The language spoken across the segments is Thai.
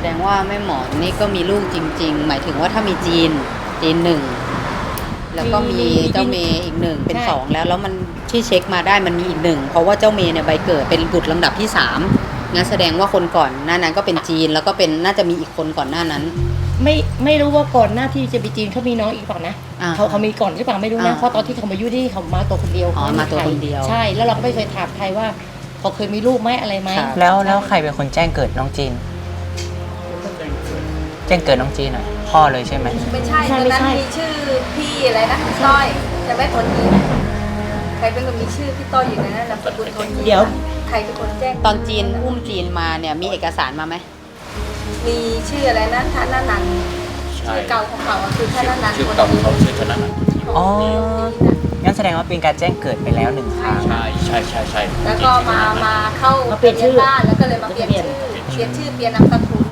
ดงว่าแม่หมอนี่ก็มีลูกจริงๆหมายถึงว่าถ้ามีจีนหนึ่งแล้วก็มีเจ้าเมย์อีกหนึ่งเป็นสองแล้วมันที่เช็คมาได้มันมีอีกหนึ่งเพราะว่าเจ้าเมย์เนี่ยใบเกิดเป็นบุตรลำดับที่3งั้นแสดงว่าคนก่อนหน้านั้นก็เป็นจีนแล้วก็เป็นน่าจะมีอีกคนก่อนหน้านั้นไม่รู้ว่าก่อนหน้าที่จะไปจีนเขามีน้องอีกเปล่านะเขามีก่อนหรือเปล่าไม่รู้นะเพราะตอนที่เขามาอยู่ที่เขามาตัวคนเดียวมาตัวคนเดียวใช่แล้วเราก็ไม่เคยถามใครว่าเขาเคยมีลูกไหมอะไรไหมแล้วใครเป็นคนแจ้งเกิดน้องจีนแจ้งเกิดน้องจีนอ่ะพ่อเลยใช่ไหมไม่ใช่ตอนนั้นมีชื่อพี่อะไรนะต้อยจะไม่คนนี้ใครเป็นคนมีชื่อพี่ต้อยอยู่ในนั้นนามสกุลคนนี้เดี๋ยวใครเป็นคนแจ้งตอนจีนอุ้มจีนมาเนี่ยมีเอกสารมาไหมมีชื่ออะไรนะธนนันท์ชื่อเก่าของเขาคือธนนันท์ชื่อเก่าของเขาชื่อธนนันท์อ๋องั้นแสดงว่าเป็นการแจ้งเกิดไปแล้ว1 ครั้งใช่แล้วก็มาเข้าเปลี่ยนชื่อบ้านแล้วก็เลยมาเปลี่ยนชื่อเปลี่ยนนามสกุล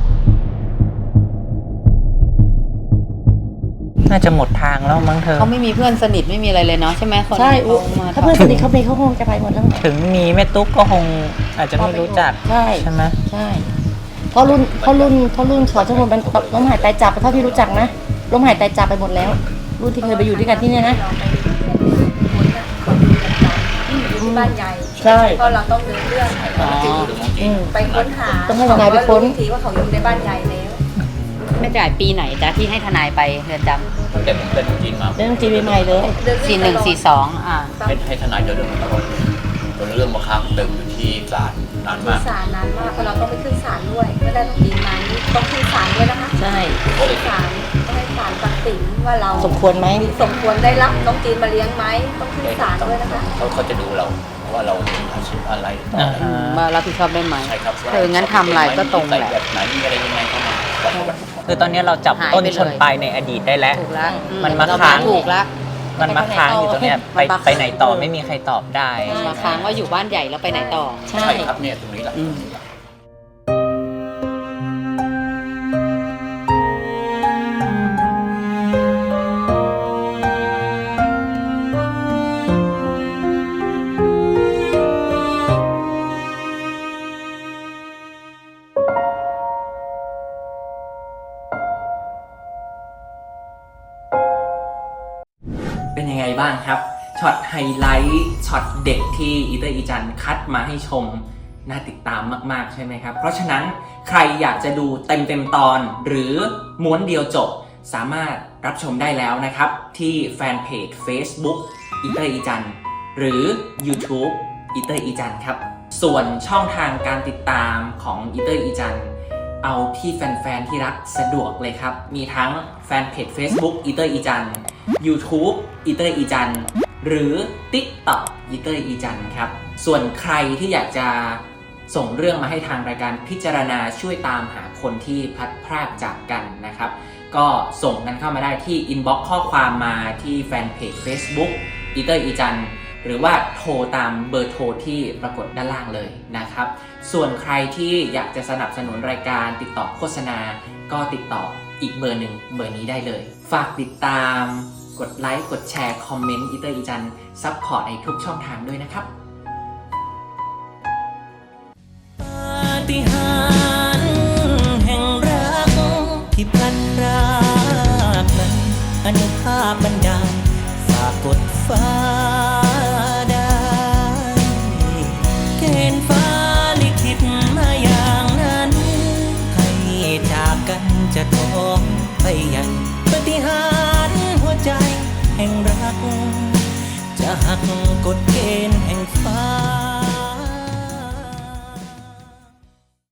น่าจะหมดทางแล้วมั้งเธอเขาไม่มีเพื่อนสนิทไม่มีอะไรเลยเนาะใช่ไหมใช่ถ้าเพื่อนสนิทเขาคงจะไปหมดแล้วถึงมีแม่ตุ๊กก็คงอาจจะไม่รู้จักใช่ไหมใช่เพราะรุ่นขอจำนวนมันล้มหายตายจากเท่าที่รู้จักนะล้มหายตายจากไปหมดแล้วรุ่นที่เคยไปอยู่ด้วยกันที่นี่นะอยู่ที่บ้านใหญ่ใช่เพราะเราต้องเดินเรื่องไปค้นหาต้องให้ทนายไปค้นทีว่าเขาอยู่ในบ้านใหญ่แล้วไม่จ่ายปีไหนจ๊ะที่ให้ทนายไปเรือนจำแต่ผมเป็นจีนมาเรื่องจีนใหม่เลย 4142 ให้ทนายเดินเรื่องตลอดเรื่องมาค้างเดิมอยู่ที่ศาลนานมากเพราะเราต้องไปขึ้นศาลด้วยไม่ได้ต้องจีนมานี่ต้องขึ้นศาลด้วยนะคะใช่ศาลต้องให้ศาลตัดสินว่าเราสมควรไหมสมควรได้รับน้องจีนมาเลี้ยงไหมต้องขึ้นศาลด้วยนะคะเขาจะดูเราว่าเราอาชีพอะไรมารับผิดชอบได้ไหมใช่ครับงั้นทำลายก็ตรงแหละแบบไหนมีอะไรยังไงเข้ามาคือตอนนี้เราจับต้นชนปลายในอดีตได้แล้วมันมาค้างถูกแล้วมันมาค้างอยู่ตรงเนี้ยไปไหนต่อไม่มีใครตอบได้มาค้างว่าอยู่บ้านใหญ่แล้วไปไหนต่อใช่ครับเนี่ยตรงนี้แหละเป็นยังไงบ้างครับช็อตไฮไลท์ช็อตเด็กที่อีเตอร์อีจันคัดมาให้ชมน่าติดตามมากๆใช่ไหมครับเพราะฉะนั้นใครอยากจะดูเต็มตอนหรือม้วนเดียวจบสามารถรับชมได้แล้วนะครับที่แฟนเพจ Facebook อีเตอร์อีจันหรือ YouTube อีเตอร์อีจันครับส่วนช่องทางการติดตามของอีเตอร์อีจันเอาที่แฟนๆที่รักสะดวกเลยครับมีทั้งแฟนเพจ Facebook อีเตอร์อีจัน YouTube อีเตอร์อีจันหรือ TikTok อีเตอร์อีจันครับส่วนใครที่อยากจะส่งเรื่องมาให้ทางรายการพิจารณาช่วยตามหาคนที่พลัดพรากจากกันนะครับก็ส่งกันเข้ามาได้ที่ inbox ข้อความมาที่แฟนเพจ Facebook อีเตอร์อีจันหรือว่าโทรตามเบอร์โทรที่ปรากฏด้านล่างเลยนะครับส่วนใครที่อยากจะสนับสนุนรายการติดต่อโฆษณาก็ติดต่ออีกเบอร์หนึ่งเบอร์นี้ได้เลยฝากติดตามกดไลค์กดแชร์คอมเมนต์อีเตอร์อีจันซัพพอร์ตในทุกช่องทางด้วยนะครับปาฏิหาริย์แห่งรักที่พลันพรากนั้นอนุภาพบันดาลฝากกดฟ้าได้เกณฑ์ฟ้าลิขิตมาอย่างนั้นให้จากกันจะท้องไปยังปาฏิหาริย์หัวใจแห่งรักจะหักกฎเกณฑ์แห่งฟ้า